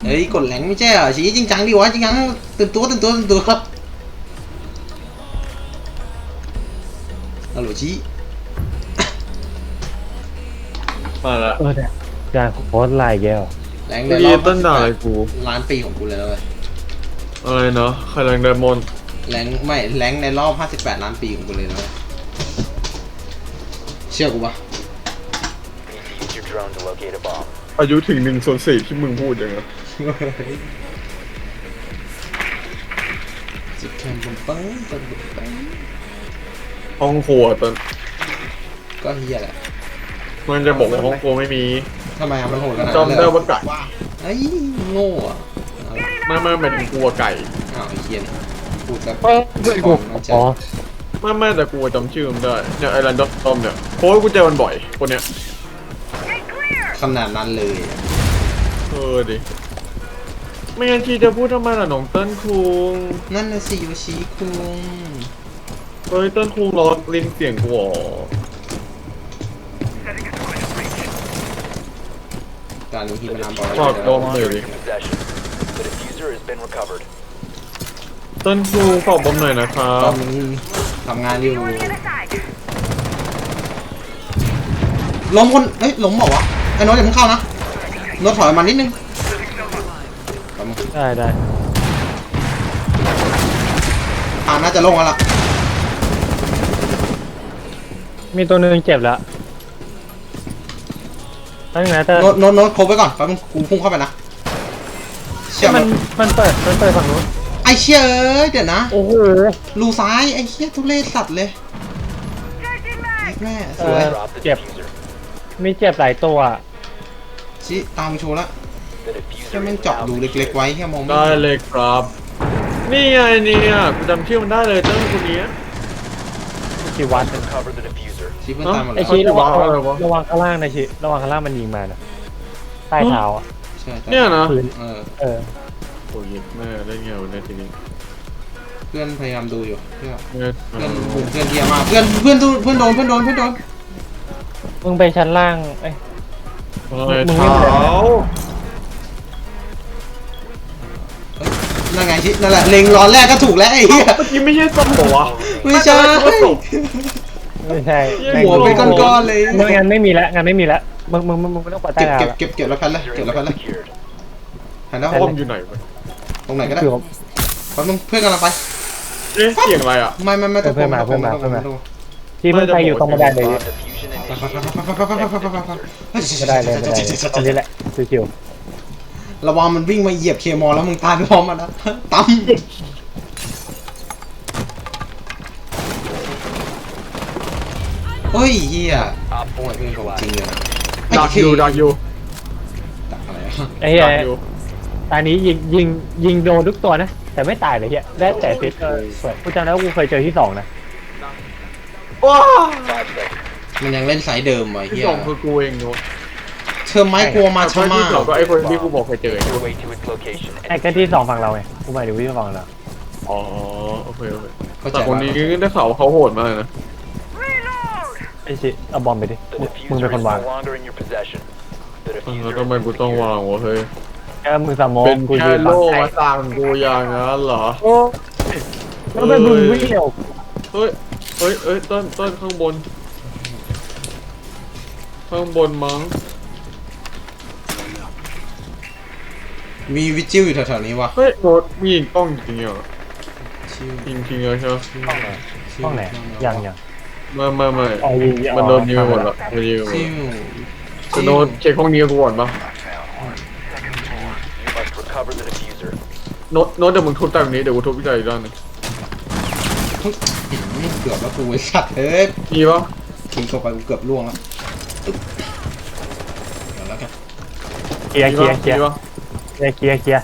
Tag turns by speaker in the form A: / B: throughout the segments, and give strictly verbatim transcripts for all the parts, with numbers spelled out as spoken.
A: เฮ้ยกดแหลงไม่ใช่เหรอชี้จริงจังดิวะจริงจังตื่นตัวตื่นตัวตื่นตัวครับฮัลโหลชี้
B: มาละ
C: เออเนี่ยการโพสต์ไลน์แกว
A: แหลง
B: เมื่
A: ใน
B: อ
A: ร
B: กี้
A: อบ
B: ต้นด่าอะไรกู
A: ล้านปีของกูเลยนะเว้ย
B: อะไรเนาะใครแรงไดมอนด์
A: แหลงไม่แหลงในรอบห้าสิบแปดล้านปีของกูเลยนะเว้ยเชื่อกูปะ
B: อายุถึงหนึ่งส่วนสี่ที่มึงพูดอย่างเงี้ย
A: สิบแคมป์ปังปังปังปัง
B: ห้องครัวต้น
A: ก็เฮียแหละ
B: มันจะบอกว่าห้องครัวไม่มี
A: ทำไมอะมันโหดขนาด
B: จอม
A: นั้น
B: ได้
A: เลย
B: ว่าไก่
A: ไอ้ยโง่อะ
B: ไม่ไม่หมายถึงกลัวไก่
A: อ้าวไอ้เฮียนี่พูดซะ
C: เออเพื่อนกูอ๋อ
B: ไม่ไม่แต่กูจำชื่อมันได้เนี่ยไอ้รันดอมเนี่ยเพราะว่ากูเจอมันบ่อยคนเนี้ย
A: ขนาดนั้นเลยอะ
B: เออดิไม่งั้นทีจะพูดทำไมล่ะน้องเติ้ลคุง
A: นั่นน่ะสิโยชิคุง
B: เฮ้ยเติ้ลคุงรอลิ้นเสียงกูอ๋อ
A: การนี้ที่มันนำบอล
B: ฝากดมหน่อยดิเติ้ลคุงฝากบอมหน่อยนะครั
A: ตอบ นทำงานอยู่ล้มคนเฮ้ยล้มบอกวะไอ้โน้ตอย่าเพิ่งเข้านะโน้ตถอยมานิดนึง
C: ได้ได้
A: อ่าน่าจะลงแล้วล่ะ
C: มีตัวหนึงเจ็บแล้วตั้งไหนแต่
A: โน้ตโน้ตโน้ตครบไว้ก่อนแป๊บนึงกูพุ่งเข้าไปนะเชี่ย
C: มันมันเปิดมันเปิดฝั่งนู้น
A: ไอ้เชี่ยเอ้ยเดี๋ยวนะ
C: โอ้โห
A: รูซ้ายไอ้เชี่ยทุเรศสัตว์เลยแม่ส
C: เอ
A: วย
C: อเจ็บมีเจ็บหลายตัว
A: ชี้ตามโชว์ละแค่แม่งเจาะรูเล็กๆไว้แค่มองไม่
B: ได้
A: เห็น
B: เลยครับ นี่ไงเนี่ยกูจำชื่อมันได้เลยเติ้ลคนนี้
C: กี่วัน
A: ชี้เพื่อนตายหมด
C: ไอ
A: แล้ว
C: ชีระวัง
B: เขาจะวางอะไรวะ
C: ระวังข้างล่างนะชีระวังข้างล่างมันยิงมานะใต้เท้าอ่ะ
A: ใช่ใช่
B: เนี่ยนะ
C: พื้น
A: เออ
C: เออ
B: โอ้ยแม่ได้ไงวันนี้ทีนี้
A: เพื่อนพยายามดูอยู่เพื่อน
B: เนี่ย
A: เพื่อนบุกเพื่อนเทียมากเพื่อนเพื่อนดูเพื่อนโดนเพื่อนโดนเพื่อนโดน
C: มึงไปชั้นล่างเอ้ย
B: อะไร
C: มึงไม่
B: เท้า
A: นั่นไงชินั่นแหละเล็งร้อนแรกก็ถูกแล้วไอ้เหี้ย
B: เมื่อกี้ไม่ใช่ส้มเหรอวะ
A: ไม่ใช่
C: ไม่ใช่
A: หัวเป็นก้อนๆเลย
C: ไม่งั้นไม่มีแล้วงั้นไม่มีแล้วมึงมึงมึงมึงไม่ต้องปัดใต้
A: เก็บ
C: เท้า
A: เก็บ
C: ละ
A: เก็บเก็บแล้วแพนเลยเก็บแล้วแพนเลยแพนแล้ว
B: ส้มอยู่ไหนวะ
A: ตรงไหนก็ได้
C: คือ
A: แป๊บนึงเพื่อนกำลังไป
B: เอ๊ะเสียงอะไรอ่ะ
A: ไม่ไม่ไม่ต้อง
C: เพื่อนมา
A: ต้อง
C: เพื่อนมา
A: ต้อง
C: เพื่อนมา
A: ต้อง
C: ที่มึงไปอยู่ตรงบันไดเลย
A: ไม่
C: ไม่ได้เลยไม่ได้เลยอันนี้แหละชิว
A: ระวังมันวิ่งมาเหยียบเคมอลแล้วมึงตายไปพร้อมมันนะตั้มเฮ้ยเฮียโอ้ยเป็นของจริงเลย
B: ดักอยู่ดักอยู่
A: ดักอะไร
C: ๆไอ้เหี้ย
B: ดักอยู่
C: ตอนนี้ยิงยิงยิงโดนทุกตัวนะแต่ไม่ตายเลยเหี้ยได้แต่ฟิตเออสวยกูจำได้ว่ากูเคยเจอที่สองนะ
B: ว้า
A: มันยังเล่นสายเดิมวะ
B: ที่
A: เฮีย
B: สองคือกูเองเนาะ
A: เธอไม้กลัวมาชะ
B: ที่
A: มา
B: สองก็ไอ้คนที่กูบอกเคยเจอ
C: ไอ้ก็ที่สองฝั่งเราไงกูหมายถึงที่ฝั่งเรา
B: อ๋อโอเคโอเค
A: เข้าใจ
B: แต่คนนี้ได้ข่าวเขาโหดมากนะ
C: ไอ้ชิเอาบอมไปดิมึงเป็นคนวาง
B: แล้วทำไมกูต้องวางวะเฮ้ย
C: แค่มึงสมอง
B: เป็น
C: กู
B: แค่
C: ยืน
B: โล่
C: ฝั่ง
B: มาต่างกูอย่างนั้นเหรอ
C: โอ้แล้วเป็นมึงวิ่งเร็ว
B: เฮ้ย เฮ้ยเฮ้ยต้นต้นข้างบน ข้างบนมั้ง
A: มีวิจิวอยู่แถวๆนี้วะ
B: เฮ้ยโดดมีกล้องจริงเหรอ
A: ชิว
B: จริงจริงเลยใช่ไหม
C: ห้องไหนยังยัง
B: ไม่ไม่ไม่
C: อ๋อยิงอ๋อ
B: มันโดนยิงไปหมดละมันยิงไปหมด
A: ชิว
B: จะโดนเช็คห้องนี้กูก่อนปะโน้ตโน้ตเดี๋ยวมึงทุบจากนี้เดี๋ยวกูทุบจากอีกด้านหนึง
A: เกือบแล้วกูไอ้สัตว์เอ้ย
B: มีปะ
A: ทิ้งเข้าไปกูเกือบล่วงแล้วเดี๋ยวแล้วกัน
C: เคลียร์เคลียร์เคลียร์
B: มีปะ
C: เคลียร์เคลียร์เคลียร์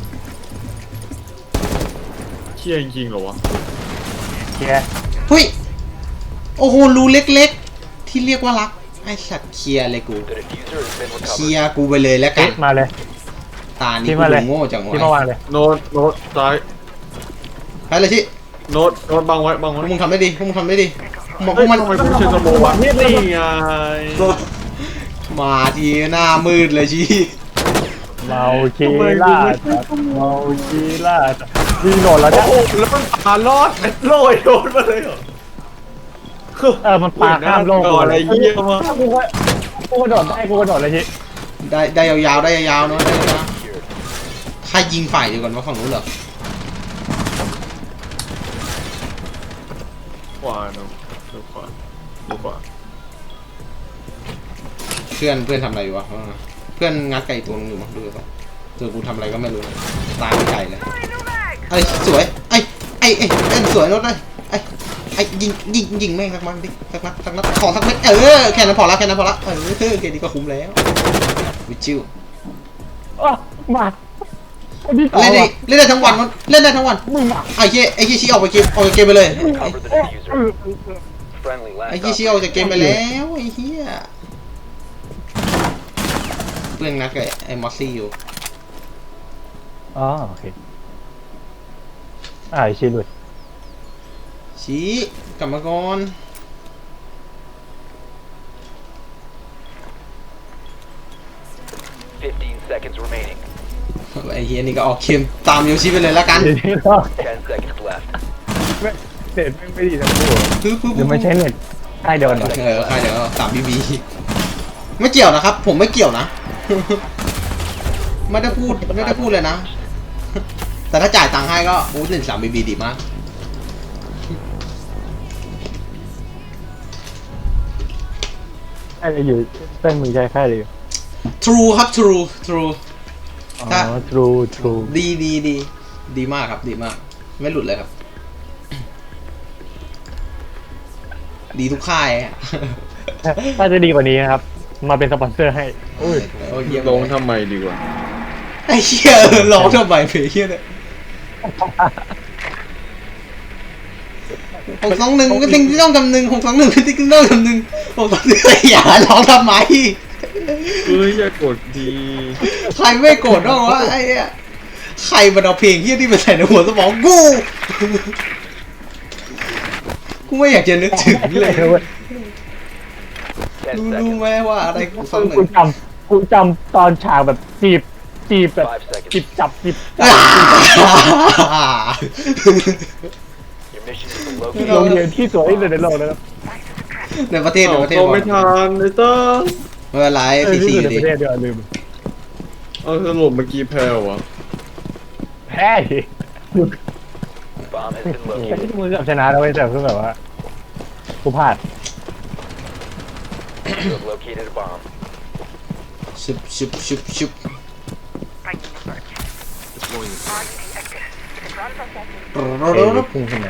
B: เชี่ยจริงๆเหรอวะ
C: เคลียร์
A: เฮ้ยโอ้โหรูเล็กๆ ที่เรียกว่ารักไอ้สัตว์เคลียร์เลยกูเคลียร์กูไปเลยแล้วกัน
C: มาเลย
A: ตานี่
C: ที่
A: กู
C: มาเลย
A: ดูโง่จัง
C: ที่มาวาว
A: ะ
C: งเลย
B: โน้ตโน้ตซ้าย
A: ไปเลยชิ
B: โน้ตโน้ตบังไว้บัง
A: พว
B: ไว้
A: กมึงทำได้ดีพวกมึงทำได้ดีพวก
B: เฮ้ย
A: มัน
B: ทำไมกูไม่ใช่สโมวะนี่ไง
A: มาทีหน้ามืดเลยชิ
B: ม
C: เมาคีล่าสัตว์เมาคีล่าสัตว์ยิงโดนแล้วเนี่ย
B: โอ้โหแล้วมันพารอดเม็ดโรยโดนมาเลยเหรอ
C: เออมันปาข้ามโลก
B: ก่อนอะไรเยี่ยมาก
C: กูก็กูกระโดดได้กูกระโดดเลยที
A: ได้ได้ยาวๆได้ยาวๆเนาะได้ยาวๆใครยิงฝ่ายเดียวกันว่าฝั่งนู้นเหรอ
B: ขวาเนาะดูขวาดูขวา
A: เพื่อนเพื่อนทำอะไรอยู่วะเพื่อนงัดไก่ตัวนึงอยู่มั้งดูก่อนเจอกูทำอะไรก็ไม่รู้ตายไก่เลยไอ้สวยไอ้ไอ้ไอ้เล่นสวยรถเลยไอ้ไอ้ยิงยิงยิงแม่งสักมันดิสักนัดสักนัดขอสักเม็ดเออแค่นั้นพอละแค่นั้นพอละเออแค่นี้ก็คุ้มแล้ววิจิว
C: อ๋อมาไอ้นี่ต่อ
A: เล่นได้
C: ว่ะ
A: เล่นได้ทั้งวันเล่นได้ทั้งวัน
C: มึงมา
A: ไอ้เหี้ยไอ้เหี้ยชี้ออกไปเกมออกจากเกมไปเลย
D: Cover the diffuser. Friendly
A: ไอ้
D: last
A: เหี้ยชี้ออกจากเกมไปแล้วไอ้เหี้ยเพื่อนนัดกับไอ้มอสซี่อยู่
C: อ๋อโอเคอ่าไอ้ชี้ด้วย
A: ชี้กลับมาก่อน
D: fifteen seconds remaining.
A: ไอ้เหี้ยนี่ก็ออกเกมตามโยชิไปเลยละกัน
C: เดี๋ยวนี้ก็
D: ten seconds left.
C: เน็ตไม่ไม่ดีทั้งคู่
A: ปึ๊บปึ๊บ
C: เดี๋ยวไม่ใช่เน็ตใช่เดินเหรอ
A: เออใครเดี๋ยวสามบีบีไม่เกี่ยวนะครับ ผมไม่เกี่ยวนะ ไม่ได้พูดไม่ได้พูดเลยนะ แต่ถ้าจ่ายตังค์ให้ก็โอ้หนึ่งสามบีบีดีมาก
C: ใช่เลยอยู่เส้นมือใจแค่เลยอยู่
A: True ครับ True True
C: อ๋อ
A: ถ้า
C: true true
A: ดีดีดีดีมากครับดีมาก ไม่หลุดเลยครับ ดีทุกค่ายอะ
C: ถ้าจะดีกว่านี้นะครับ มาเป็นสปอนเซอร์ให้
A: โอ้ยโอ้ยเยี่ยม
B: ลงทำไมดีกว่า
A: ไอ้เหี้ยร้องทำไมเพลงเหี้ยเนี่ยหกสองหนึ่งก็ทิ้งที่ต้องกำหนึ่งหกสองหนึ่งก็ทิ้งที่ต้องกำหนึ่งหกสองหนึ่งอย่าร้องทำไม
B: เอ้ยอย่ากดดี
A: ใครไม่โกรธบ้างวะไอ้เหี้ยใครมันเอาเพลงเหี้ยที่มาใส่ในหัวสมองกูกูไม่อยากจะนึกถึงเลย
D: ten
A: รู้รู้
D: seconds.
A: ไหมว่าอะไรกูฟังหนึ่
C: กู
A: ง
C: จำกูจำตอนฉากแบบจีบจีบแบบ
D: Five seconds.
C: จีบจับจีบจั
A: อ่า
D: Your mission is to
C: บ
D: locate
C: โรงเรียนที่สวยที่สุดในโลกนะครับ
A: ในประเทศในประเทศ
B: เอา
A: ก่อน
B: ไม่ทันเลยเต้อ
A: ไม่เป็นไร
C: เออ
A: ซี
C: ที่
A: ซี
C: สุ
A: อ
C: ดใน
A: ยู่
C: ป
A: ดี
C: ระเทศเดียวลืม
B: เอาสรุปเมื่อกี้แพ้วะ
C: แพ้ดิ
D: bomb has been
C: แต่
D: located.
C: ที่มือกับชนะแล้วเว้ยแต่คือแบบว่ากูพลาด
D: You have located a bomb.
A: ชุบชุบชุบชุบร
C: เอ้
A: ร
C: ย
A: ร
C: พุ่งขึ้นมา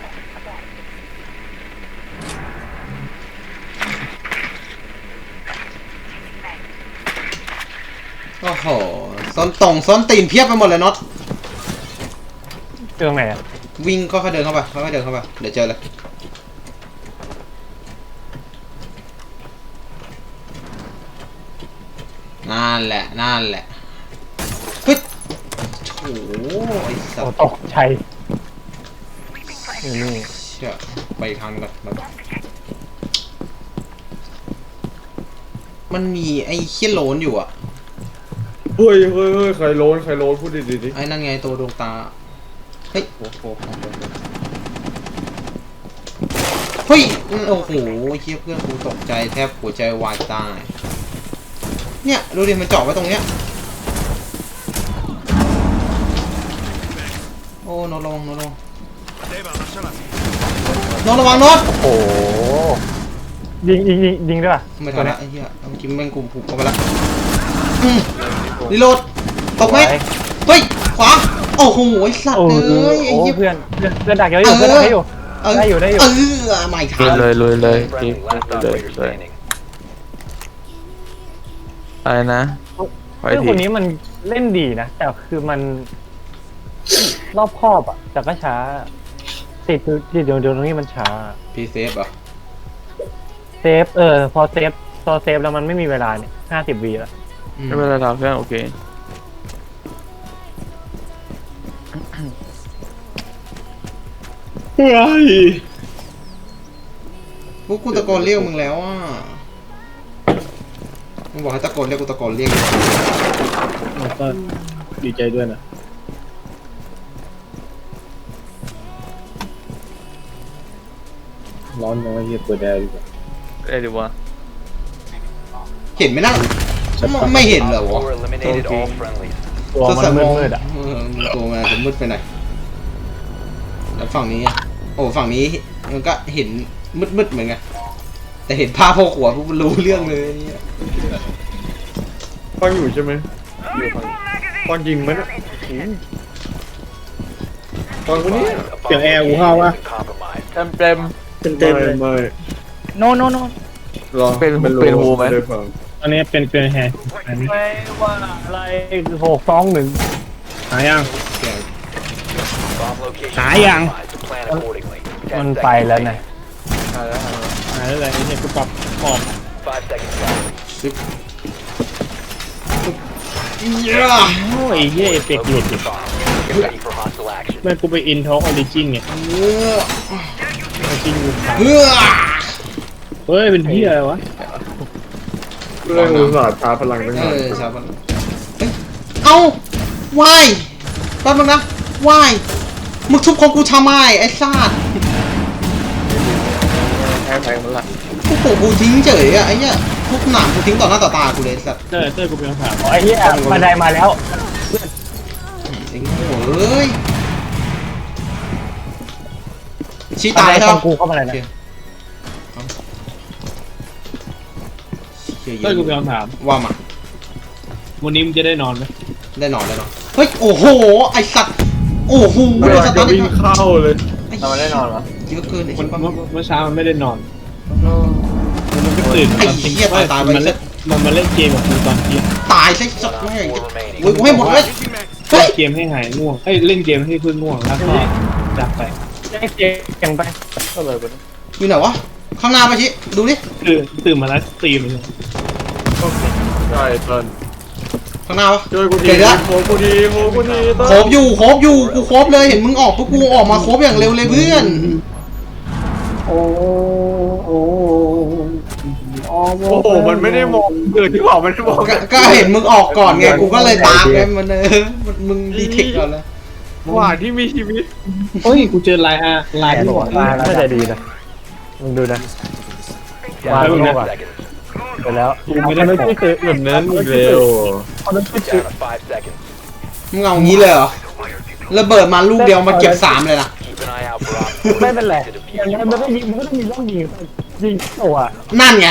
A: โอ้โหซ้อนตรงซ้อนตีนเพียบไปหมดเลยน็อต
C: เจอตรงไหนอะ
A: วิ่งค่อยๆเดินเข้าไปค่อยๆเดินเข้าไปเดี๋ยวเจอเลยนั่นแหละนั่นแหละเฮ้ยโอ้โหไอ้สั
C: โอ้
A: ตว์
C: ตกใจอยู่นี่
A: เชี่ยไปอีกทางก่อนมันมันมีไอ้เขี้ยโลนอยู่อะ
B: เฮ้ยเฮ้ยเฮ้ยใครโลนใครโลนพูดดีดีดิ
A: ไอ้นั่นไงตัวดวงตาเฮ้ย
B: โอ้โห
A: เฮ้ยโอ้โหเฮียเพื่อนกูตกใจแทบหัวใจวายตายเนี่ยดูดิมันเจาะไว้ตรงเนี้ยโอ้โนตระวังโนตระวังโนตระวังโนต
C: โอ้โหยิงยิงยิงยิงด้วยป่ะ
A: ไม่
C: ตั
A: ทั
C: วน เนี้
A: ละ
C: ย
A: ไอ้เหี้ยเมื่อกี้แม่งกูผูกเข้าไปละอืมรีโหลดตกไหมเฮ้ยขวาโอ้โหไอ้สัตว์
C: โอ้โห
A: เอ้ยไอ้
C: โอ้
A: เหี้ย
C: เพื่อนเพื่อนเพื่อนดักเยอะอยู่เพื่อนดักเยอะอยู่
A: เออ
C: ได้อยู่ได้อยู่
A: เออไม่ทัน
E: เลยเลยเลย
D: Friendly last
E: เลย
D: operator
E: เลย
D: standing.
E: อะไรนะไป
C: เพื่อน
E: ที
C: คนนี้มันเล่นดีนะ แต่คือมัน รอบคอบอ่ะแต่ก็ช้า ติดติดเดี๋ยวเดี๋ยวตรงนี้มันช้า
A: พีเซฟเหรอ
C: เซฟเออพอเซฟพอเซฟแล้วมันไม่มีเวลาเนี่ยห้าสิบวีแล้ว
A: อืม
E: ไม่เป็นไรครับเพื่อนโอเค
B: เฮ้ย
A: พวกกูตะโกนเรียกมึงแล้วอ่ะมึงบอกให้ตะโกนเรียกกูตะโกนเรียก
B: ก็ดีใจด้วยนะร้อนน้อยเฮียเปิดแอร์ดีกว่า
E: เอ้ยดีวะ
A: เห็นไหมนะไม่ไม่เห็นเหรอ
D: Op
A: วะ
D: four eliminated all friendlies.
C: ตัวมันมืดๆอ่ะ
A: เออตัวมันจะมืดไปหน่อยแล้วฝั่งนี้อะโอ้ฝั่งนี้มันก็เห็นมืดๆเหมือนกันแต่เห็นภาพพอหัวปุ๊บรู้เรื่องเลยเนี่ย
B: ฟังอยู่ใช่ไหมฟังจริงไหมนะฟังคนนี้
D: A bomb location has been compromised.
E: เต็มเต็ม
B: ไม่ไม่
C: โนโนโน
B: รอ
E: เป็น
B: ไม่รู้
E: เป็นหูไหม
B: ด้ฟัง
F: อันนี้เป็นเป็นแฮร์อันนี้
C: ไม่ว่าอะไรหกสองหนึ่ง
F: หายัง
D: Bomb location
F: Hảยัง?
D: compromised. Plan accordingly.
C: มัน
D: Ten
C: ไป
D: seconds
C: แล้วนะ
D: remaining.
E: หายแล้วหายแล้ว
F: หาอะไรไอ้เนี่ยกูปรับออก
D: Five seconds left.
A: ซึบเย้
F: โอ้ยเฮียเอฟเฟกต์หลุด
D: Locate the bomb. Get ready for hostile action.
F: แม่งกูไปอินท็อกออริจินไง
A: เฮ้อ
F: ออริจินกูขาด
A: เฮ้อ
F: เฮ้ยเป็นเฮียอะไรวะ
B: เรื่องอุตสาห์ชาร์จพลังตั้งาน
A: เอนอชาวบ้านเอ้ยเอ้าวายแป๊บนึงนะวายมึงทุบของกูทำไมไอ้ซาด
E: แพ้แพ้หมดละ
A: กูโผล่กูทิ้งเฉยอะไอ้เนี่ยทุบหนามกูทิ้งต่อหน้าต่อตากูเลยสัตว์
F: เต้ยเต้ยกูเป็นคำถาม
C: ไอ้เหี้ยบันไดมาแล้ว
A: ไอ้โง่เอ้ยชี้
C: บัน
A: ตาย
C: ได
A: ใช่
C: ข
A: ปะ
C: องกูเข้ามาเลยนะ
A: เชี่ยเย
F: เต้ยกู
A: อะ
F: เป็นคำถาม
A: ว่ามา
F: วันนี้มึงจะได้นอนไหม
A: ได้นอนได้นอนเฮ้ยโอ้โหไอ้สัตว์โอ้โห
B: เว
A: ไอ้
B: ลา
A: สัตว์
B: จะ
A: ตอนนี้
B: วิ่งเข้าเลย
E: ทำไมได้นอนวะ
A: เยอะเกินไอ้
F: มัน
A: ชิบะ
F: เมื่อเมื่อเช้ามันไม่ได้นอนมันก็ตื่น
A: ไอ้
F: ตอนทิ้ง
A: เหี้ยตายตายไป
F: มันเล่นมันมาเล่นเกมกับกูตอนเที่ยง
A: ตายใช่สัตว์
D: Op
A: แม่ง
D: four remaining.
A: โอ้ยกูให้หมดเลยเฮ้ย
F: เล่นเกมให้หายง่วงเอ้ยเล่นเกมให้เพื่อนง่วงแล้วก็จากไป
C: แจ้งเสียงไป
E: ก็เลยเป็น
A: อยู่ไหนวะข้างหน้าไปชิดูดิ
F: คือตื่นมาแล้วตีมันเลย
B: ใช่เติ้ล
A: ข้างหน้าวะ
B: ช่วยกูที
A: เดี๋ยวนะ
B: โคกูทีโคกูทีเติ้ล
A: โคบอยู่โคบอยู่กูโคบเลยเห็นมึงออกปุ๊บกูออกมาโคบอย่างเร็วเลยเพื่อน
C: โอ้โอ้
B: โอ้โหมันไม่ได้มองเกิดที่บอกมันไม่ได้มอง
A: ก็ก็เห็นมึงออกก่อนไงกูก็เลยตามไงมันเออมันมึงดีเทคก่อนเลย
B: หว่าที่มีชีวิต
F: เฮ้ยกูเจอลายอาลาย
C: แขน
F: ที่
C: หั
F: บ
C: ว
F: อก
C: ตายไม่ได้ดีนะมึงดูนะ
D: Down
C: Wow,
D: to
C: wow.
D: five seconds.
C: ไปแล้ว
F: กูไม่ได้
C: ไม่
F: บอก
C: ได้คือ
B: แบบนั้นอีกแล้ว
C: เขาไม่ได้คือ
D: Down to five seconds.
A: มึงเอางี้เลยเหรอระเบิดมาลูกเดียวมาเก็บสามเลยนะ
D: Keep an eye out for Op four
C: ไม่เป็นไร
D: to
C: อย่าง
D: defuse
C: นั้น
D: your
C: มันก็
D: bomb.
C: ยิงมันก็ต้องมีร่องยิงยิงตัว
A: นั่นไง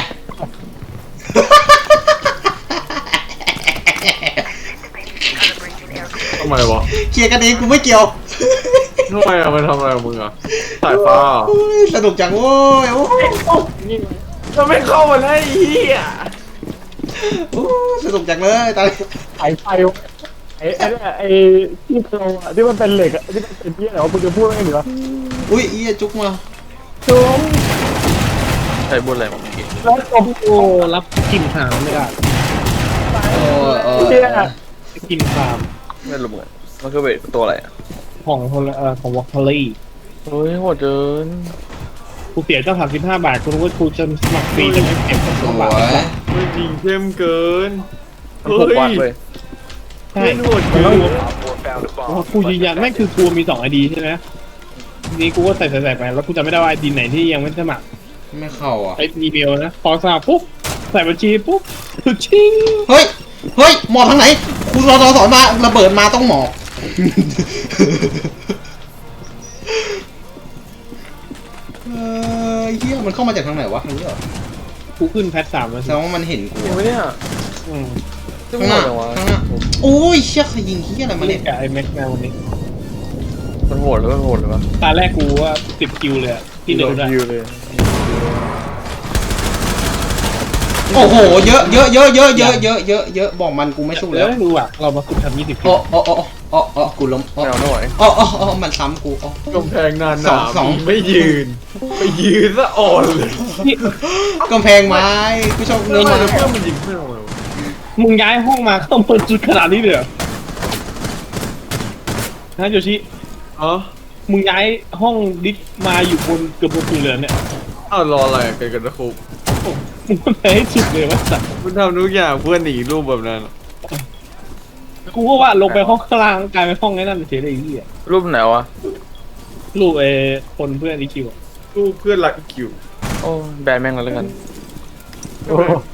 B: ทำไมวะ
A: เคลียร์กันเองกูไม่เกี่ยว
B: ทำไมอะมันทำอะไรกับมึงอะสายฟ้า
A: โอ้ยสนุกจังโว้ยโอ้ย
B: จะไม่เข้ามาได้อีอ่ะ
A: โอ้ยสนุกจังเลยตอนนี้
C: ไอ้ไฟไอ้ไอ้ไอ้ที่โครงอะที่มันเป็นเหล็กอะที่มันเป็นเยี่ยเหรอมึงจะพูดไม่เหรอ
A: อุ้ยเอียจุกมา
C: จม
E: ใช้บุญอะไรมาเมื่อกี้
C: แล้วจม
F: โอ้รับกินหางไม่ได้
A: โอ้ยโอ้ย
C: เยี่ย
F: กินฟาร์ม
E: ไม่รู้เหมือนกันมันคือเป็นตัวอะไรอ่ะ
F: ของคนละเอ่อของวอลเลย์
E: เฮ้ยโหดเกิน
F: กูเสียเจ้าสามสิบห้าบาทกูรู้ว่ากูจะสมัครฟรีจะไม่เก็บ
A: ส
F: สอง
A: ว
F: บาท
A: ย
B: ไม่จริงเข้มเกิน
E: มันหกวันเลย
F: ใช่
B: ไม่โหดเกิน
D: Op four found a
F: เพราะ
D: bomb.
F: กูยืนยันไม่คือกูมีสองไอดีใช่ไหมทีนี้กูก็ใส่ใส่ใส่ไปแล้วกูจะไม่ได้ว่าไอดีไหนที่ยังไม่สมัคร
A: ไม่เข้าอ่ะ
F: ไออีเมลนะพอสมัครปุ๊บใส่บัญชีปุ๊บชิง
A: เฮ้ยเฮ้ยหมอบทางไหนกูรอรอสอนมาระเบิดมาต้องหมอบเออเฮียมันเข้ามาจากทางไหนวะทางนี้เหรอ
F: กูขึ้นแพทสามแล้ว
A: แส
F: สิ
A: ดงว่ามันเห็นกู
E: จริงไหมเนี่ย
F: อืม
E: ซึ่ง
A: ข้าง
E: โห
A: หน้า
E: ดจังวะ
A: ข้างหน้าโอ้ยเชี่ยใครยิงเฮียอะไรมา
F: เล่
A: เนี่ย
F: นกับไอแม็กแมววันนี้
E: มันโหดหรือมันโหดหรือวะ
F: ตาแรกกูว่าสิบคิวเลยอะที่เดินได้
E: คิวเลย
A: โอ้โหเยอะเยอะเยอะเยอะเยอะเยอะเยอะเยอะบอกมันกูไม่สู้
F: แล้
A: แล้ว ว
F: ดูอ่ะเรามาฝึกทำยี่สิบคิ
A: อ๋
F: ว
A: ออ๋ออ๋ออ๋ออ๋อกูล้มอ๋อ
E: ไม่เอาไม่ไหว
A: อ๋ออ๋ออ๋อมันซ้ำกูอ๋อก
B: ำแพงนานห
A: สอ
B: นาง
A: สอง
B: ไม่ยืนไปยืนซะอ่อนเลย
A: กำแพงไม้กูชอบ
B: เรื่
A: เนื้
B: อ
A: อง ไม้
B: เพื่อนมันยิงเพื่อนเรา
F: มึงย้ายห้องมาต้องเปิดจุดขนาดนี้เลยเหรอฮะโยชิ
B: อ๋อ
F: มึงย้ายห้องดิสมาอยู่บนเกือบบนสุดเลยเนี่ย
B: อ้าวรออะไรกันกันนะครู
F: กมึงไปให้สุดเลยว่าสัตว์
B: มันทำทุกอย่างเพื่อหนีรูปแบบนั้น
F: กูก็ว่าลงไปห้องข้างล่างกลายเป็นห้องไอ้นั่นเฉยเลยไอ้เหี้ย
E: รูปไหนวะ
F: ลูกไอ้คนเพื่อนอีคิวอะ
B: รูปเพื่อนรักคิว
E: โอ้แบนแม่งแล้วกัน
C: โอ้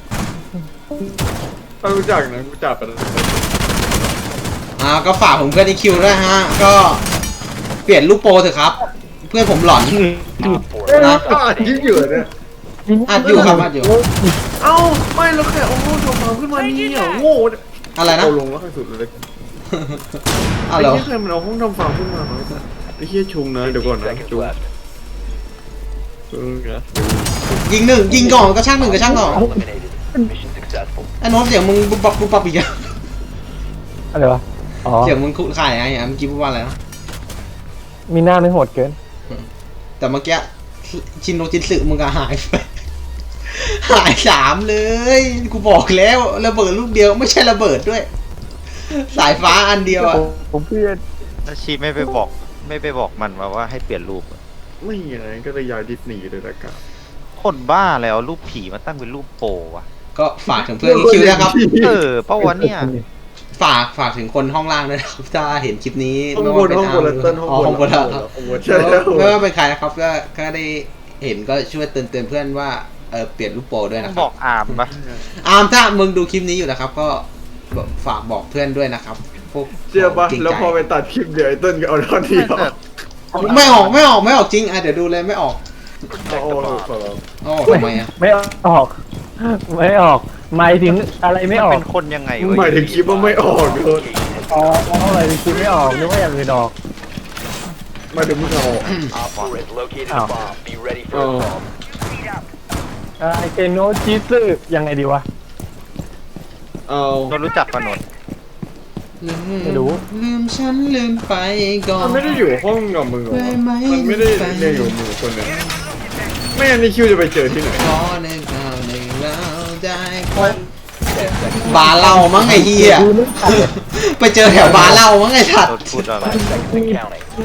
B: ถ้ารู้จักนะรู้จักกัน
A: อ่าก็ฝากผมเพื่อนอีคิวด้วยฮะ ก็เปลี่ยนลูกโปรเถอะครับ เพื่อนผมหลอน
D: Op four
A: นะ
B: อ่ายิ่งอยู่เนี่ย
A: อัดอยู่ครับอัดอยู่
B: เอ้าไม่แล้วแค่เอาโง่ทำมาขึ้นมานี่อ่ะโง่
A: อะไรนะ
B: เอาลงแล้วให้สุดเลย
A: อะ
B: ไอ้
A: ไร
B: เหี้ยใครมันเอาห้องทำฟาร์มขึ้นมาไว้สัสไอ้เหี้ยชุงนะเดี๋ยวก่อน
D: fifteen
B: นะ
D: seconds
B: ชุง
D: left.
B: ชุงนะ
A: ยิงหนึ่งยิงก่อนก็ช่างหนึ่งก็ช่างก่อน
D: Eliminated. Mission successful.
A: ไอ้โน้ตเสียงมึงปุ๊บปั๊บปุ๊บปั๊บอีกอะ
C: อะไรวะอ๋อ
A: เสียงมึงคุขายไงอ่ะเมื่อกี้พูดว่าอะไรนะ
C: มีหน้าไม่โหดเกิน
A: แต่เมื่อกี้ชินโนจินสึมึงก็หายไป หายสามเลย กูบอกแล้วระเบิดลูกเดียวไม่ใช่ระเบิดด้วย สายฟ้าอันเดียวอ่ะ
C: ผมเพื่อน
G: แล้วชีไม่ไปบอกไม่ไปบอกมันมาว่าให้เปลี่ยนรูปอะ
B: ไม่อย่างนั้นก็เลยย้ายดิสนีย์เลยละกัน
G: คนบ้าแล้วรูปผีมาตั้งเป็นรูปโปวะ
A: ก็ฝากถึงเพื่อนอีคิวนะครับ
G: เออเป้าวะเนี่ย
A: ฝากฝากถึงคนห้องล่างด้วยนะครับ ถ้าเห็นคลิปนี้
B: ห้อง
A: ไม่
B: บ
A: ว่าน เป็น
B: ห้องบนแล้วเต้นห้อง
A: อ๋อบ
B: น
A: ห้องบนแล้วครับ
B: ห้องบนใช่แล้ว
A: ไม่ว่าเป็นใครนะครับก็ก็ได้เห็นก็ช่วยเตือนเตือนเพื่อนว่าเออเปลี่ยนรูปโปรด้วยนะค
G: บ
A: รั
G: อบ กอามปะ
A: อาร์มถ้ามึงดูคลิปนี้อยู่นะครับ ก็ฝากบอกเพื่อนด้วยนะครับพวก
B: เชื่อปะ
A: จริงใจ
B: แล้วพอไปตัดคลิปเดี๋ยวไอ้เต้นก็เอาท่อนเดียว
G: แต่
A: ไม่ออกไม่ออกไม่ออกจริงอ่ะเดี๋ยวดูเลยไม่ออก
B: โอ้โหขอร้อง
A: อ๋อทำไมอ่ะ
C: ไม่ออก ไม่ออกหมายถึงอะไรไม่ออก
G: เป็นคนยังไงวะ
B: หมายถึงคลิปว่าไม่ออกเลย
C: อ๋ออะไรคิดไม่ออกนึกว่าอย่างอื่นออก
B: หมายถึงมึงเอา
D: Op four has located
C: Ow.
D: a bomb. Be ready for
B: Oh.
D: assault.
C: ไอเกโนจิสึยังไงดีวะ
B: เอา
G: เรารู้จักปะนนท์
C: ไม่รู้
A: ลืมฉันลืมไปก่อน
B: มันไม่ได้อยู่ห้องกับมึงหรอ
A: ได้ไหม
B: มันไม่ได้เรียนอยู่กับมึงคนเนี่ยไม่งั้นนี่คิวจะไปเจอที่ไหน
A: ขอในคราวหนึ่งเราได้พบบาร์เหล้ามั้งไอ้เหี้ยไปเจอแถวบาร์เหล้ามั้งไอ้สัต
G: โด
A: ว์
G: นพูดอะไร
D: Five seconds and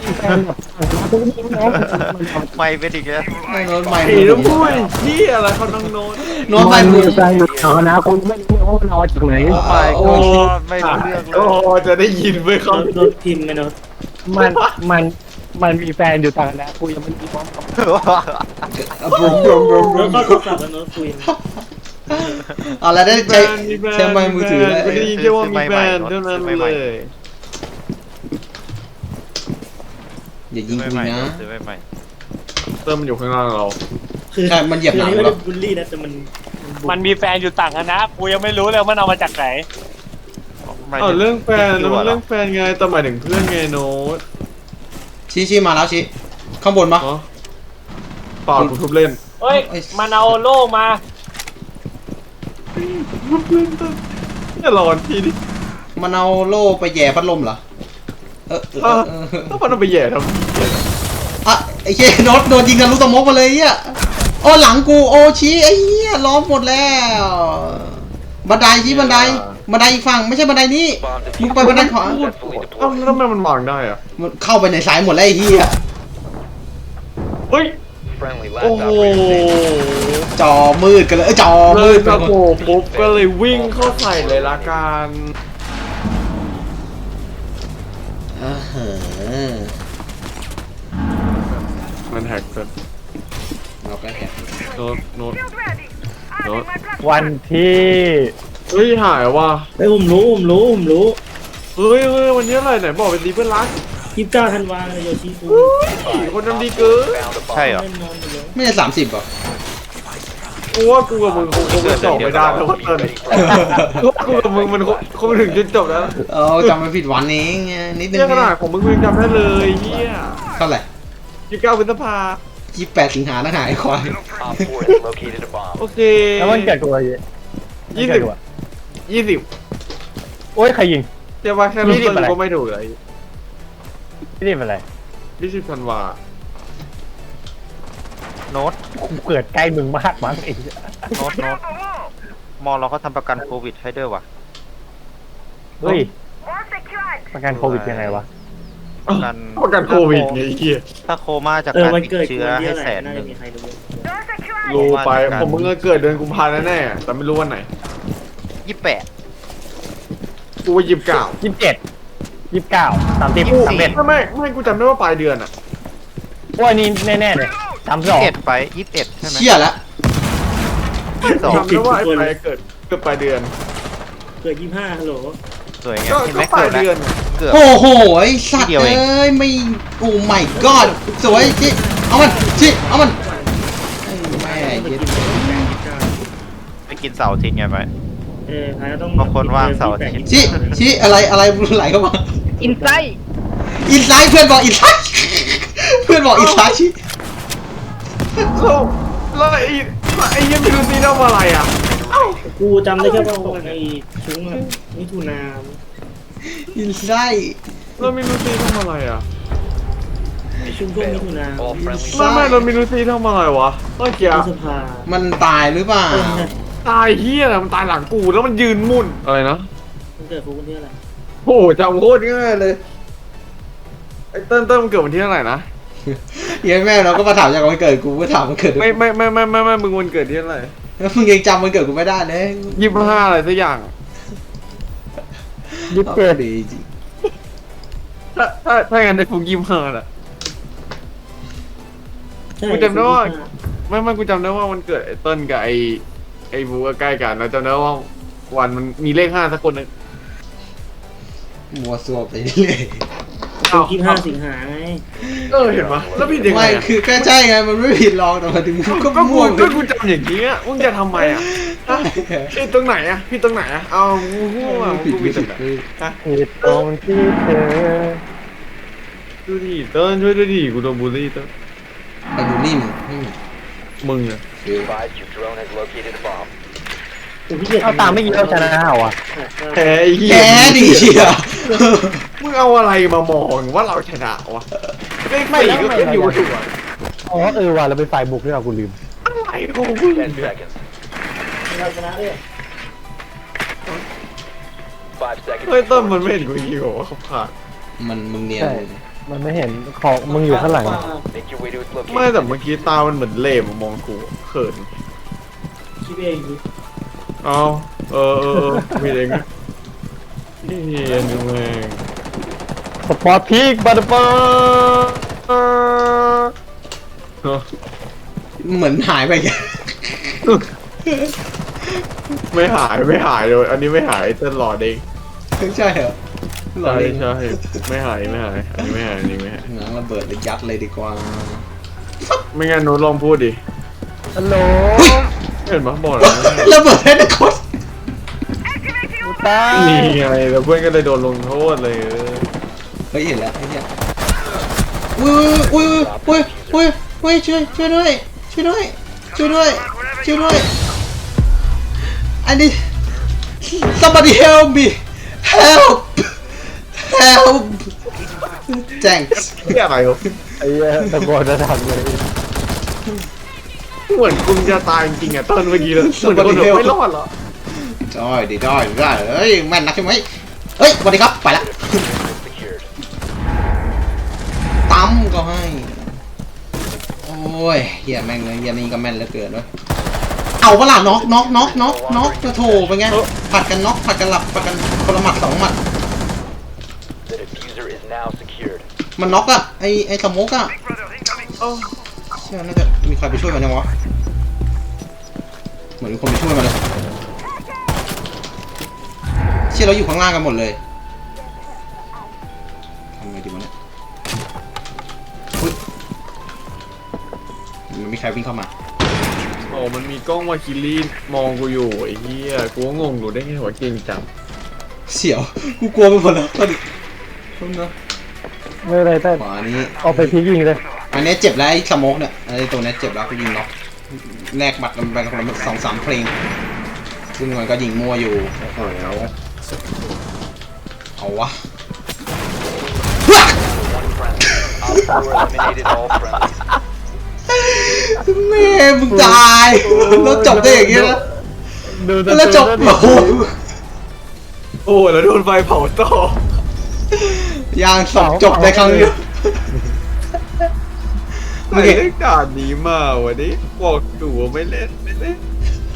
D: counting.
G: ไม่เป็นอีกแล้ว
A: ไอ้โน้ตใหม่
B: ไอ้ลูกปุ้ยที่อะไรเขานั่งโน้ต
A: โน้ตใหม่
C: มั
A: มึ
C: น
A: ง
C: ใจอยู่แถวนะคุณไม่รู้ว่ามันเอาจากไหน
G: ไม่
B: โอ้
G: ก็ไม่รู้เรื่องเล
B: โอ้
G: ย
B: จะได้ยินเว้ยเขา
H: โดนพิมพ์ไหมเนาะ
C: มันมันมันมีแฟนอยู่ต่างนะกูยังไม่มีความกับ
A: บรมบรมบรมบร
H: แล้ว
A: ม
H: ก็โทรศัพท์แล้วเนาะคุย
A: เอาละได้ใช้ใช้ไม้มือถือเลย
B: ไม่ได้ยินแค่ว่ามีแบรนด์เท่านั้นเลย
A: อย่ายิง
G: ไม่
A: กู
G: ใหม่
A: นะ
G: ซื้อไม่ใหม่
B: เติมมันอยู่ข้างล่างเรา
H: คือ
A: ใช่มันเหยียบหลัง
H: คืออันนี้ไม่
A: เหรอ
H: ได้บูลลี่นะแต่มัน
C: มันมีแฟนอยู่ต่างนะกูยังไม่รู้เลยมันเอามาจากไหน
G: หมาย
B: เอ
G: ถึ
B: อเรื่องแฟนแล้วมัน
G: หร
B: เรื่องแฟนไงแต่หมายถึงเพื่อนไงโน้ต
A: ชี้ชี้มาแล้วชี้ข้างบนปะ
B: อ๋อเปล่ากูทุบเล่น
C: เฮ้ยมันเอาโล่มา
B: ทุบเล่นต้นอย่าร้อนทีดิ
A: มันเอาโล่ไปแย่พัดลมเหรอเออเออเออเออ
B: ถ้ามันเอาไปแย่ทำ
A: อ่ะไอ้เหี้ยโน้ตโดนยิงกันรู้ตะมกมาเลยอ่ะโอ้หลังกูโอชี้ไอ้เหี้ยล้อมหมดแล้วบันไดชี้บันไดบันไดอีกฝั่งไม่ใช่บันไดนี้
D: Bomb
A: มึง
D: diffuser
A: ไปบันไดขวา
D: successfully
B: เอ้า
D: deployed.
B: แล้วทำไมมันวางได้อะ
A: มันเข้าไปในสายหมดแล้วไอ้เหี้ย
B: เฮ้ย
D: Friendly
B: โอ้
D: last
B: โห
D: operator standing.
A: จอมืดกันเลยเอ้ยจอ
B: เล
A: มื
B: ย
A: ดไป
B: ตะ
A: หมด
B: โกปุ๊บก็เลยวิ่งเข้าใส่เลยละกัน
A: อ่าฮะ
B: มันแฮกเกิน
A: เราก็แหก
B: โน้ตโน้ตโน้ต
C: วันที่
B: เฮ้ยหายว่ะ
H: เฮ้ยผมรู้ผมรู้ผมรู้
B: เฮ้ยเฮ้ยวันนี้อะไรไหนบอกเป็นดีเพื่อนรัก
H: ยี่สิบเก้าธันวาเลยโยชิคุ
B: ผีคนทำดีเกิน
D: Found a bomb.
G: ใช่เหรอ
H: เล่นนอนอยู่เลย
A: ไม่ใช่สามสิบหรอ
B: กูว่ากูกับมึงคงคงไม่จบไม่ได้แล้วว่าตอนนี้กูกูกับมึงมันคงคงถึงจนจบแล้ว
A: เออจำไม่ผิดวันเองไงนิดนึง
B: เนี่ยขนาดของมึงมึงจำได้เลยเฮีย
A: เท่าไหร่
B: ยี่สิบเก้าพฤษภา
A: ยี่สิบแปดสิงหานะหายควาย
D: Op four has located a bomb.
B: โอเค
C: แล้วมันเกิดตัวอะไร
B: ยี่สิบยี่สิบ
C: โอ้ยใครยิง
B: เดี๋ยวว่าแค่รู้
C: ยี่สิบ
B: ตัว
C: อะไร
B: ก็ไม่ถูกเลย
C: ไม่ได้เป็นไร
B: ยี่สิบธันวา
G: โน้ต
C: กูเกิดใกล้มึงมากมั้งไอ้เหี้ย
G: โน้ตโน้ตมอเราเขาทำประกันโควิดให้ด้วยวะ
C: เฮ้ยประกันโควิดยังไงวะ
G: ประกัน
B: ประกันโควิดไงไอ้เฮีย
G: ถ้าโคม่าจาก
H: เออ
G: การ
H: วัน
G: ติด
H: เกิด
G: เชื้อ
H: วันที่
G: ให้
H: เท่าไห
G: แส
H: ร่
G: น
H: น่า
G: ห
H: จะ
G: นึ่ง
H: มีใครรู้
B: รู้ไปผมมึงก็เกิดเดือนกุมภาพันธ์แน่ๆแต่ไม่รู้วันไหน
G: ยี่สิบแปด
B: กูว่ายี่สิบเก้า
C: ยี่สิบเจ็ดยี่สิบเก้าสามสิบสามเอ็ด
B: ไม่ไม่ไม่กูจำได้ว่าปลายเดือนอ่ะ
C: ว่านี่แน่ๆเลยสามส
G: ยี่
C: อง
G: สิบเอ็ดไปยี่สิบเอ็ดใช่ไหม
A: เชี่ยแล้ว
G: ยี่สิบสอง
B: จำได้ว่าไอ้ปลายเกิดเกือบปลายเดือน
H: เกิดยี่ห้าฮัลโหล
G: สวยไง
B: ก็
G: เห็นไหม
B: ก็ปลา
G: เกิ
B: ย
G: ดแล้ว
B: เดือน
G: เกือบ
A: โอ้โหไอ้สัตว์
G: ทีเดียว
A: เอ
G: เอง
A: ้ยไม่โอ้ my god สวยจิเอามันจิเอามันแม่
H: ต้องไป
A: เย็ด
H: กินแปดเก้า
G: ไปกินเสาร์อาทิตย์ไงไป
H: เออพายต้อง
G: บางคนว่างเสาร์อาทิตย์
A: จิจิอะไรอะไรไหลเข้ามา
I: อินไซต์
A: อินไซด์เพื่อนบอกอินไซด์เพื่อนบอกอินไซด์ชิ
B: แล้วแล้วไอ้ไอ้ยังไม่รู้ซีทำอะไรอ่ะ
H: กูจำได้แค่ว่าวันไอ้ชุ้งอะมิถุนา
A: อินไซด์
B: แล้วไม่รู้ซีทำอะไรอ่ะ
H: ไอ้ชุ้งช่วงมิถุนา
D: All friendly
B: ไม่ไม่เราไม่รู้ซีทำอะไรวะเมื่อกี้
H: พฤษภา
A: มันตายหรือเปล่า
H: เออใช่
B: ตายเฮียอะไรมันตายหลังกูแล้วมันยืนมุ่นอะไรนะ
H: มันเกิดกูวันที่อะไร
B: โอ้โหจำโคตรง่ายเลยไอ้เติ้ลเติ้ลมันเกิดวันที่เท่าไหร่นะ
A: เหี้ยันแม่เราก็มาถามจากวันเกิดกูก็ถามวันเกิด
B: ไม่ไม่ไม่ไม่ไม่ไม่มึงวันเกิดที่เท่าไหร่
A: แล้วมึงยังจำวันเกิดกูไม่ได้เลย
B: ยี่สิบห้าอะไรสักอย่าง
C: ยี่สิบเจ็ด
A: ดีจริง
B: ถ้าถ้าถ้างั้นได้ฟุกยี่สิบห้าแหละ
H: ใช่
B: กูจำได้ว่า
H: ยี่สิบห้
B: ไม่ไม่กูจำได้ว่ามันเกิดไอ้เติ้ลกับไอ้ไอ้บูก็ใกล้กันแล้วจำได้ว่าวันมันมีเลขห้าสักคนหนึง
A: มัวซัวไปเรื่อย
B: อ้าว
H: ยี่สิบห้าสิงหาไง
B: เออเห็นปะแล้วผิดยังไง
A: ไม่
B: อะ
A: คือก็ใช่ไงมันไม่ผิดหรอกแต่มาถึงมึงก็
B: ก็กู
A: ม่วง
B: ก็กูจำอย่างนี้อ่ะมึงจะทำไมอ่ะฮะผิดตรงไหนอ่ะผิดตรงไหนอ่ะเอากูพูดอ่ะ
A: ผิด
B: กู
A: ผิ
B: ผิ
A: ด
B: ดตร
A: ผิ
B: ง
A: ด
B: ไหน
C: ผิดตรงที่เธอ
B: ดูดิเติ้ลช่วยด้วยดิกูโดนบูลลี่เติ้ล
A: ไปบูลลี่มึงไม่มี
B: มึงอ่ะ
A: คือ
D: advised your drone has located a bomb.
H: กูพี่เกียจ
C: เอาตามไม่กี่เราชนะเหรอวะ
B: แพ้ไอ้เหี้
A: แก
B: ย
A: ดีเชีย
B: มึงเอาอะไรมามองว่าเราชนะวะเลขสี่ก็ขึ้นอยู่ถูกอ่ะ
C: อ๋อเออว่ะเราเป็นฝ่ายบุกด้วยเหรอกูลืม
B: อะไรของมึง
D: Ten seconds.
H: เราชนะด้วย
D: Five seconds.
B: เฮ้ยเติ้ลมันไม่เห็นกูยิงหรอว่าเขาผ่าน
A: มันมึงเนียน
C: ใช่มันไม่เห็นของมึงอยู่ข้างหลัง
D: Make your way to its location.
B: ไม่แต่เมื่อกี้ตามันเหมือนเหล่มามองกูเขิน
H: คิดเองดิ
B: เอาเออเออเออมีเองนะเฮียนี่แม่ง
C: สปอร์ตพีกบัตเตอร์
A: เหมือนหายไปแก
B: ไม่หายไม่หายเลยอันนี้ไม่หายเต้นหลอดเอง
A: ใช่เหรอหล่อ
B: ใช่
A: เลย
B: ใช่ไม่หายไม่หายอันนี้ไม่หายอันนี้ไม่หาย
A: หนังระเบิดเลยยัดเลยดีกว่า
B: ไม่งั้นหนูลองพูดดิ
C: ฮัลโหล
B: เห็นปะบอกแล้ว
A: ระเบิดให้ทุกคน
C: กูตาย
B: นี่ไงแล้วเพื่อนก็เลยโดนลงโทษเลยเออ
A: เฮ้ยเห็นแล้วไอ้เนี่ยอุ้ยอุ้ยอุ้ยอุ้ยอุ้ยช่วยช่วยด้วยช่วยด้วยช่วยด้วยช่วยด้วยอันนี้ somebody help me help help thanks
B: เฮียอะไรวะ
C: ไอ้เหี้ยตะโกนจะทำเลย
B: เหมือนคุณจะตายจริงๆอ่ะต้นเมื่อกี้เลยเหมือนคนแบบไม่รอดเหรอ
A: ได้ดีได้ได้เฮ้ยแม่นนักใช่ไหมเฮ้ยสวัสดีครับไปละ
D: Secured.
A: ตั้มก็ให้โอ้ยเฮียแม่งเลยเฮียนี่ก็แม่นเหลือเกินเว้ยเอาเปะล่าน็อกน็อกน็อกน็อกน็อกจะโถเป็นไงผัดกันน็อกผัดกันหลับผัดกันคนละหมัดสองหมัด
D: The diffuser is now secured.
A: มันน็อกอะไอไอสโมกอะเชื่อน่าจะมีใครไปช่วยมันยังวะเหมือนมีคนไปช่วยมันเลยเชื่อเราอยู่ข้างล่างกันหมดเลยทำไงดีวะเนี่ยอุ๊ยมันมีใครวิ่งเข้ามา
B: โอ้มันมีกล้องวาคิลี่มองกูอยู่ไอ้เหี้ยกูก็งงอยู่ได้ไงวะเก่งจัง
A: เสียวกูกลัวไปหมดแล้วตอนนี้ตอนนี้
C: ไม่เป็นไรแต่
A: ขวานี้
C: เอาไปพีกยิงเลย
A: อันนี้เจ็บแล้วไอ้สโมกเนี่ยไอ้ตัวนี้เจ็บแล้วกูยิงน็อกแลกบัตรกันไปคนละสองสามเพลงซึ่งมันก็ยิงมั่วอยู่โอ้โหเอาวะ
D: One friendly. Op four eliminated all friendlies.
A: แม่มึงตายแล้วจบได้อย่างเงี้ยนะ
C: ดูตะ
A: แล้วจบ
C: โก
A: โอ้
C: น
A: โห
B: โอ้แล้วโดนไฟเผาต่อย
A: างสองจบในครั้งเดียว
B: ใครเล่นด่านนี้มาวันนี้บอกดูว่าไม่เล่นไม่เล่น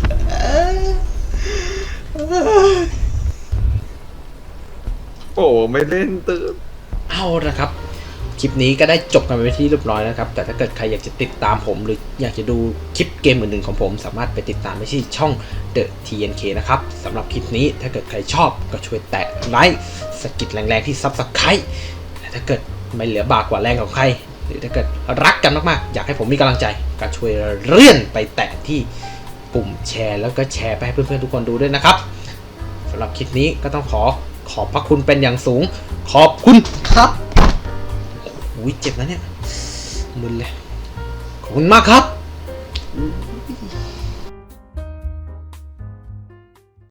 B: โอ้ไม่เล่นตื่น
A: เอาละครับ คลิปนี้ก็ได้จบกันไปที่เรียบร้อยแล้วครับ แต่ถ้าเกิดใครอยากจะติดตามผมหรืออยากจะดูคลิปเกมอื่นๆของผมสามารถไปติดตามได้ที่ช่อง The ที เอ็น เค นะครับสำหรับคลิปนี้ถ้าเกิดใครชอบก็ช่วยแตะไลค์สกิดแรงๆที่ Subscribe แต่ถ้าเกิดไม่เหลือบากกว่าแรงของใครหรือถ้าเกิดรักกันมากๆอยากให้ผมมีกำลังใจก็ช่วยเลื่อนไปแตะที่ปุ่มแชร์แล้วก็แชร์ไปให้เพื่อนๆทุกคนดูด้วยนะครับสำหรับคลิปนี้ก็ต้องขอขอบพระคุณเป็นอย่างสูงขอบคุณครับอุ้ยเจ็บนะเนี่ยมึนเลยขอบคุณมากครับ